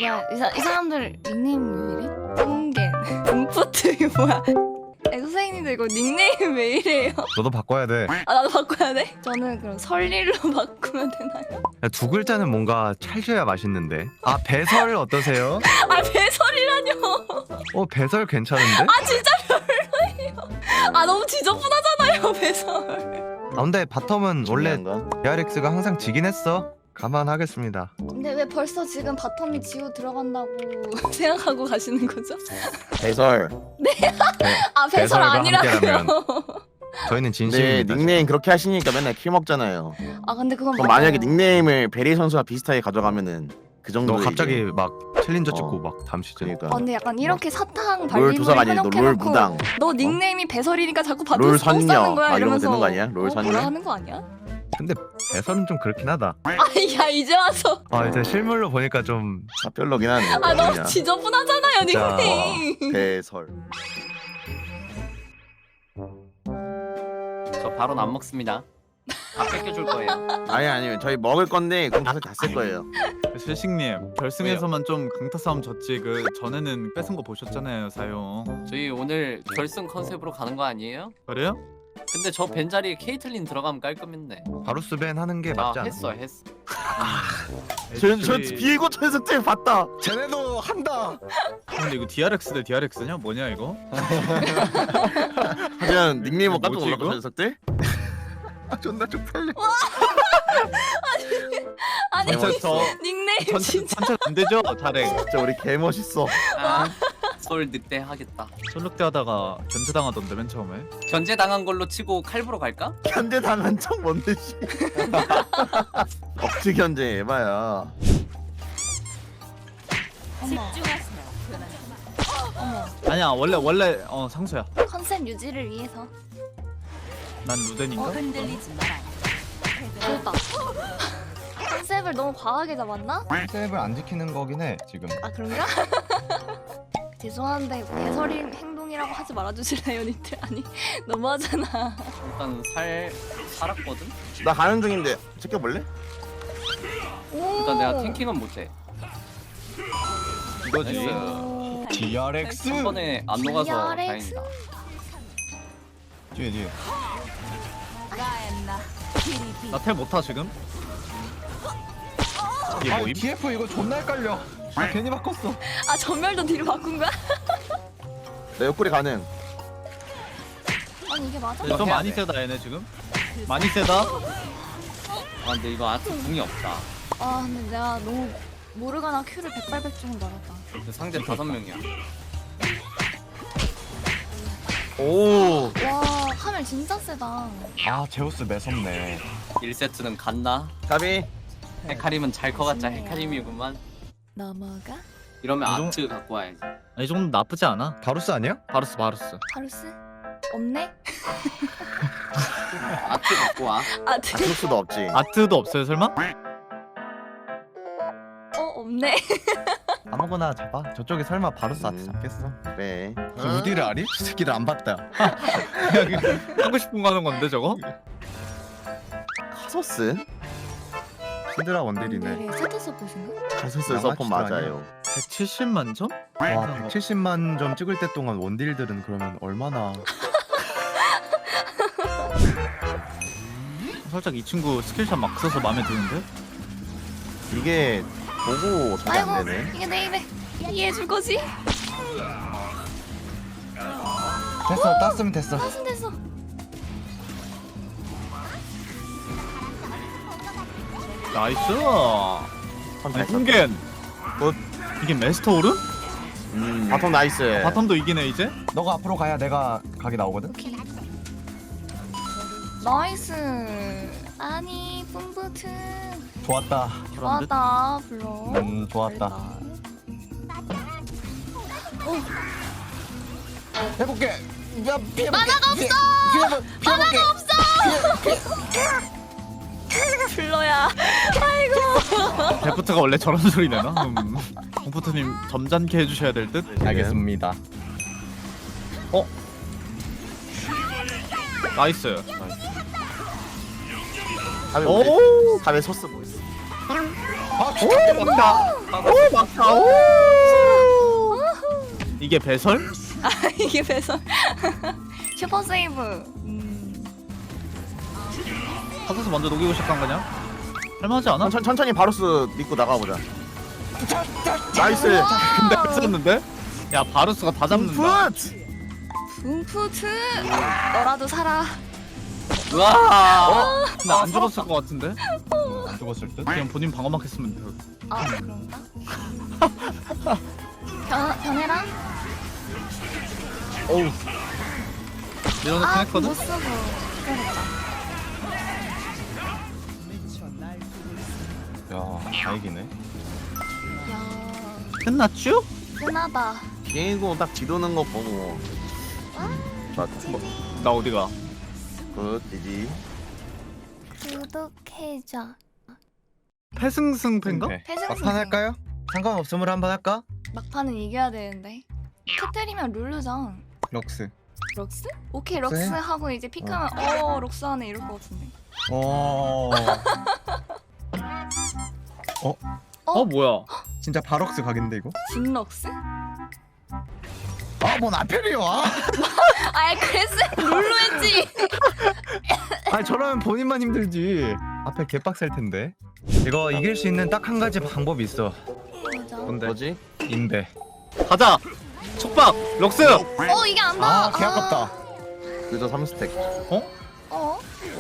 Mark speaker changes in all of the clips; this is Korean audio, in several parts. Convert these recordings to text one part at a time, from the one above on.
Speaker 1: 뭐야 이 사람들 닉네임 왜 이래? 붕겐 붕푸트 이거 뭐야? 선생님들 이거 닉네임 왜 이래요?
Speaker 2: 너도 바꿔야 돼.
Speaker 1: 아 나도 바꿔야 돼? 저는 그럼 설릴로 바꾸면 되나요?
Speaker 2: 두 글자는 뭔가 찰져야 맛있는데. 아 배설 어떠세요?
Speaker 1: 아 배설이라뇨.
Speaker 2: 배설 괜찮은데?
Speaker 1: 아 진짜 별로예요. 아 너무 지저분하잖아요 배설.
Speaker 2: 아 근데 바텀은 원래
Speaker 3: 중요한 건
Speaker 2: DRX가 항상 지긴 했어. 감안하겠습니다.
Speaker 1: 근데 왜 벌써 지금 바텀이 지우 들어간다고 생각하고 가시는 거죠?
Speaker 3: 배설.
Speaker 1: 아 배설
Speaker 2: 배설과
Speaker 1: 아니라고요?
Speaker 2: 함께라면. 저희는
Speaker 3: 근데
Speaker 2: 진심입니다.
Speaker 3: 닉네임 그렇게 하시니까 맨날 킬 먹잖아요.
Speaker 1: 아 근데 그건
Speaker 3: 그럼
Speaker 1: 맞아요.
Speaker 3: 만약에 닉네임을 베리 선수와 비슷하게 가져가면은 그 정도.
Speaker 2: 너 갑자기 막 챌린저 찍고 막 다음 시즌.
Speaker 3: 그러니까.
Speaker 1: 아, 근데 약간 이렇게 사탕
Speaker 3: 롤
Speaker 1: 발림을
Speaker 3: 도사가 아니지, 롤
Speaker 1: 해놓고
Speaker 3: 무당.
Speaker 1: 너 닉네임이 배설이니까 자꾸 받을
Speaker 3: 롤
Speaker 1: 수 없다는
Speaker 3: 선녀.
Speaker 1: 거야
Speaker 3: 막 이런 거
Speaker 1: 이러면서
Speaker 3: 되는 거 아니야? 롤 선녀?
Speaker 1: 뭐라 하는 거 아니야?
Speaker 2: 근데 배설은 좀 그렇긴 하다.
Speaker 1: 아야 이제 와서
Speaker 2: 이제 실물로 보니까 좀
Speaker 3: 사별로긴 하네.
Speaker 1: 아 너무
Speaker 3: 그냥.
Speaker 1: 지저분하잖아요
Speaker 2: 진짜.
Speaker 1: 닉네임.
Speaker 3: 배설.
Speaker 4: 저 바로는 안 먹습니다. 다 뺏겨줄 거예요.
Speaker 3: 아니 저희 먹을 건데 그럼 다섯 다쓸 거예요.
Speaker 5: 실식님 결승에서만 좀 강타 싸움 졌지 그 전에는 뺏은 거 보셨잖아요 사용.
Speaker 4: 저희 오늘 결승 컨셉으로 가는 거 아니에요?
Speaker 5: 그래요?
Speaker 4: 근데 저 벤 자리에 케이틀린 들어가면 깔끔했네.
Speaker 2: 바루스 밴 하는 게
Speaker 4: 아
Speaker 2: 맞지 않아?
Speaker 4: 했어.
Speaker 3: 저 비고 천석 때 봤다.
Speaker 2: 쟤네도 한다.
Speaker 5: 근데 이거 DRX 대 DRX냐? 뭐냐 이거?
Speaker 3: 하지만 닉네임 깜짝
Speaker 5: 뭐지,
Speaker 3: 놀랐다
Speaker 5: 이거?
Speaker 3: 천석 때.
Speaker 2: 존나 쪽팔려.
Speaker 1: 아니
Speaker 5: 저
Speaker 1: 닉네임
Speaker 5: 전체
Speaker 1: 진짜
Speaker 5: 전체 안 되죠? 잘해.
Speaker 3: 진짜 우리 개 멋있어.
Speaker 4: 서울 늑대 하겠다.
Speaker 5: 전력대 하다가 견제당하던데 맨 처음에.
Speaker 4: 견제 당한 걸로 치고 칼부로 갈까?
Speaker 3: 견제 당한 척 뭔데 씨. 억지 견제 해봐야.
Speaker 1: 어머
Speaker 5: 아니야 원래 상수야.
Speaker 1: 컨셉 유지를 위해서
Speaker 5: 난 루덴인가?
Speaker 1: 그렇다. 컨셉을 너무 과하게 잡았나?
Speaker 2: 컨셉을 안 지키는 거긴 해 지금.
Speaker 1: 아 그런가? 죄송한데 배설이 행동이라고 하지 말아주실래요 니들? 아니 너무하잖아.
Speaker 4: 일단 살았거든.
Speaker 3: 나 가는 중인데 지켜볼래?
Speaker 1: 오.
Speaker 4: 일단 내가 탱킹은 못해.
Speaker 5: 이거지.
Speaker 1: 오.
Speaker 2: DRX.
Speaker 4: 한 번에 안 녹아서
Speaker 1: DRX?
Speaker 4: 다행이다.
Speaker 2: 뒤에.
Speaker 5: 나텔 못하 지금? 이게 뭐임?
Speaker 2: TF 이거 존나 헷갈려. 괜히 바꿨어.
Speaker 1: 아 전멸도 뒤로 바꾼 거야?
Speaker 3: 내 옆구리 가능.
Speaker 1: 아니 이게 맞아?
Speaker 5: 좀 많이 세다 얘네 지금. 많이 세다.
Speaker 4: 아 근데 이거 아트 궁이 없다.
Speaker 1: 아 근데 내가 너무 모르가나 큐를 백발백중을 맞았다.
Speaker 4: 근데 상대 5명이야.
Speaker 3: 오.
Speaker 1: 와 카멜 진짜 세다.
Speaker 2: 아 제우스 매섭네.
Speaker 4: 1세트는 갔나?
Speaker 3: 가비.
Speaker 4: 헤카림은 잘 커갔자 헤카림이구만.
Speaker 1: 넘어가?
Speaker 4: 이러면
Speaker 5: 이 정-
Speaker 4: 아트 갖고 와야지.
Speaker 5: 이 정도 나쁘지 않아.
Speaker 2: 바루스 아니야?
Speaker 5: 바루스.
Speaker 1: 바루스? 없네?
Speaker 4: 아트 갖고 와.
Speaker 1: 아
Speaker 3: 그럴 수도 없지.
Speaker 5: 아트도 없어요 설마?
Speaker 1: 없네.
Speaker 2: 아무거나 잡아. 저쪽에 설마 바루스 아트 잡겠어?
Speaker 3: 네.
Speaker 2: 루디를 아니? 이 새끼를 안 봤다.
Speaker 5: 그냥 하고 싶은 거 하는 건데 저거?
Speaker 3: 카소스?
Speaker 2: 히드라 원딜이네.
Speaker 1: 오늘의 스타트 서폿인가?
Speaker 3: 카소스
Speaker 2: 양아치도
Speaker 3: 서폰 맞아요.
Speaker 5: 170만 점?
Speaker 2: 와 170만 점 찍을 때 동안 원딜들은 그러면 얼마나.
Speaker 5: 살짝 이 친구 스킬샷 막 써서 마음에 드는데?
Speaker 3: 이게 보고 저게 안
Speaker 1: 아이고
Speaker 3: 되네.
Speaker 1: 이게 내 입에 이해해줄 거지?
Speaker 2: 됐어 땄으면 됐어.
Speaker 1: 땄으면 됐어.
Speaker 5: 나이스!
Speaker 3: 선
Speaker 5: 아니
Speaker 3: 잘
Speaker 5: 홍겐!
Speaker 3: 굿.
Speaker 5: 이게 메스터 오른?
Speaker 3: 바텀 나이스.
Speaker 5: 바텀도 이기네 이제?
Speaker 2: 너가 앞으로 가야 내가 각이 나오거든.
Speaker 1: 오케이. 나이스. 아니 뿜부트.
Speaker 2: 좋았다.
Speaker 5: 그런 듯?
Speaker 1: 좋았다 불러.
Speaker 2: 좋았다. 해볼게. 야 피해.
Speaker 1: 만화가 없어.
Speaker 2: 만화가
Speaker 1: 없어. 불러야. 아이고.
Speaker 5: 데프트가 원래 저런 소리 내나? 공프트님 점잖게 해주셔야 될 듯?
Speaker 2: 알겠습니다.
Speaker 5: 나이스.
Speaker 3: 탑에
Speaker 5: 오!
Speaker 3: 탑에 소스 뭐 있어?
Speaker 2: 아 좋겠다.
Speaker 5: 막타. 이게 배설?
Speaker 1: 이게 배선. 슈퍼 세이브.
Speaker 5: 타서스 먼저 녹이고 시작한 거냐? 할만하지 않아?
Speaker 3: 천천히 바로스 믿고 나가보자. 나이스.
Speaker 5: 근데 뺐었는데? 야 바루스가 다 잡는다.
Speaker 3: 풋.
Speaker 1: 붕푸트. 너라도 살아.
Speaker 4: 우와.
Speaker 5: 근데 안 죽었을 것 같은데?
Speaker 2: 안 죽었을 듯?
Speaker 5: 그냥 본인 방어막 했으면 돼.
Speaker 1: 아 그런가? 변해라?
Speaker 5: 어우. 밀어넣긴
Speaker 1: 아
Speaker 5: 했거든?
Speaker 1: 못 쓰고 기다렸다.
Speaker 2: 야, 다행이네.
Speaker 1: 야
Speaker 5: 끝났쥬?
Speaker 1: 흔하다.
Speaker 3: 비행고 딱 지도는 거 보고. 좋았다.
Speaker 5: 나 어디가?
Speaker 3: 굿 지지.
Speaker 1: 구독해줘.
Speaker 5: 패승승패인가?
Speaker 2: 네.
Speaker 1: 패승승.
Speaker 2: 막판 할까요? 상관없으므로 한번 할까?
Speaker 1: 막판은 이겨야 되는데. 터뜨리면 룰루전.
Speaker 2: 럭스.
Speaker 1: 록스? 오케이
Speaker 2: 록스
Speaker 1: 록스
Speaker 2: 해?
Speaker 1: 하고 이제 픽하면 록스 하네 이럴 것 같은데.
Speaker 5: 뭐야?
Speaker 2: 진짜 바럭스 각인데 이거?
Speaker 1: 진럭스?
Speaker 2: 아, 뭔 앞편이요?
Speaker 1: 아이 그랬어 룰루 했지.
Speaker 2: 아니 저러면 본인만 힘들지. 앞에 개빡셀 텐데. 이거 이길 수 있는 딱 한 가지 방법이 있어.
Speaker 1: 맞아.
Speaker 2: 뭔데?
Speaker 3: 뭐지?
Speaker 2: 인베.
Speaker 5: 가자! 촉박! 럭스!
Speaker 1: 이게 안 닿아.
Speaker 2: 아, 개 아깝다.
Speaker 3: 그저 3스택.
Speaker 1: 어?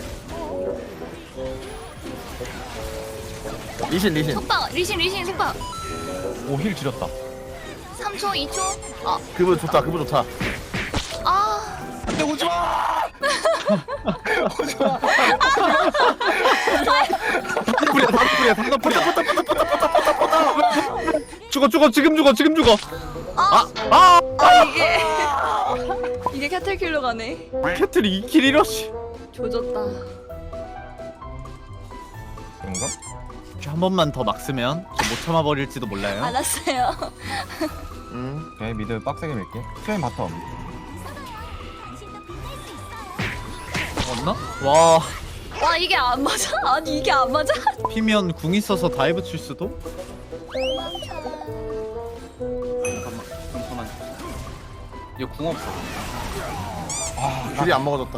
Speaker 3: 리신.
Speaker 1: 속박 리신 속박.
Speaker 2: 오, 힐 지렸다.
Speaker 1: 3초 2초.
Speaker 3: 그분 좋다.
Speaker 1: 아
Speaker 2: 안돼, 오지 마. 오지 마.
Speaker 5: 당근풀이야. 죽어 지금 죽어.
Speaker 1: 이게 캐틀킬러 가네.
Speaker 5: 캐틀이 2킬 1러시.
Speaker 1: 조졌다.
Speaker 2: 그런가?
Speaker 5: 한 번만 더 막 쓰면 저 못 참아버릴지도 몰라요.
Speaker 1: 알았어요.
Speaker 2: 오케이, 미드 빡세게 밀게. 프레임 바텀.
Speaker 5: 맞나? 와
Speaker 1: 와 이게 안 맞아? 아니 이게 안 맞아?
Speaker 5: 피면 궁 있어서 다이브 칠 수도?
Speaker 4: 잠깐만. 이거 궁 없어.
Speaker 3: 귤이 안 먹어졌다.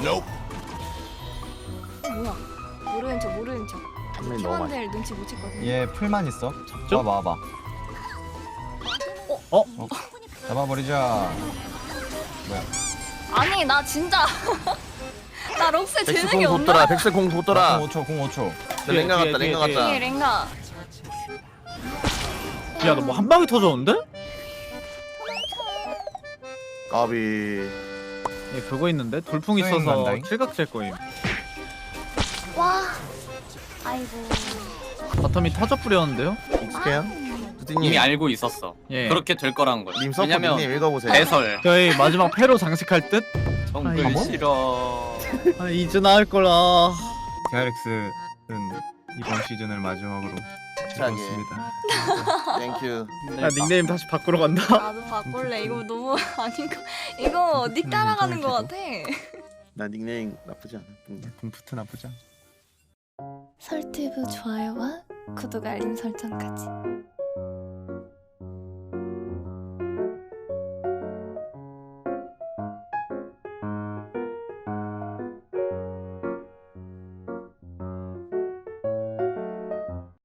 Speaker 1: 뭐야? 모르는 척.
Speaker 3: 한명이 너무 많이.
Speaker 1: 팀원들 눈치 못 챘거든.
Speaker 2: 얘 풀만 있어.
Speaker 5: 좀?
Speaker 2: 와봐. 잡아버리자. 뭐야?
Speaker 1: 아니 나 진짜 나 록스
Speaker 3: 백스
Speaker 1: 재능이
Speaker 3: 공
Speaker 1: 없나?
Speaker 3: 돋더라. 백스 공 돋더라.
Speaker 2: 5초, 공 5초.
Speaker 3: 랭가
Speaker 5: 뒤에,
Speaker 3: 같다.
Speaker 5: 뒤에,
Speaker 3: 랭가
Speaker 5: 뒤에.
Speaker 3: 같다.
Speaker 1: 이게 랭가.
Speaker 5: 야 너 뭐 한 방에 터졌는데?
Speaker 3: 까비.
Speaker 5: 얘 그거 있는데? 돌풍
Speaker 2: 수행
Speaker 5: 있어서
Speaker 2: 간다잉.
Speaker 5: 칠각질 거임.
Speaker 1: 와. 아이고.
Speaker 5: 바텀이 타적 뿌렸는데요?
Speaker 3: 익숙해요?
Speaker 4: 이미
Speaker 3: 두디님.
Speaker 4: 알고 있었어.
Speaker 5: 예.
Speaker 4: 그렇게 될 거라는 걸.
Speaker 3: 님 서포
Speaker 4: 왜냐면
Speaker 3: 님 읽어보세요.
Speaker 4: 배설.
Speaker 5: 저희 마지막 패로 장식할 듯?
Speaker 4: 정글
Speaker 5: 아이고.
Speaker 4: 싫어.
Speaker 5: 아 이즈나 할 거라.
Speaker 2: DRX는 이번 시즌을 마지막으로
Speaker 3: 차게.
Speaker 2: 즐겁습니다.
Speaker 3: 땡큐.
Speaker 5: 야 닉네임 다시 바꾸러 간다.
Speaker 1: 나도 바꿀래. 이거 너무 아닌 거. 이거 닉 따라가는 거 같아.
Speaker 3: 나 닉네임 나쁘지 않아.
Speaker 2: 붕푸트 나쁘지 않아.
Speaker 1: 설티브 좋아요와 구독 알림 설정까지.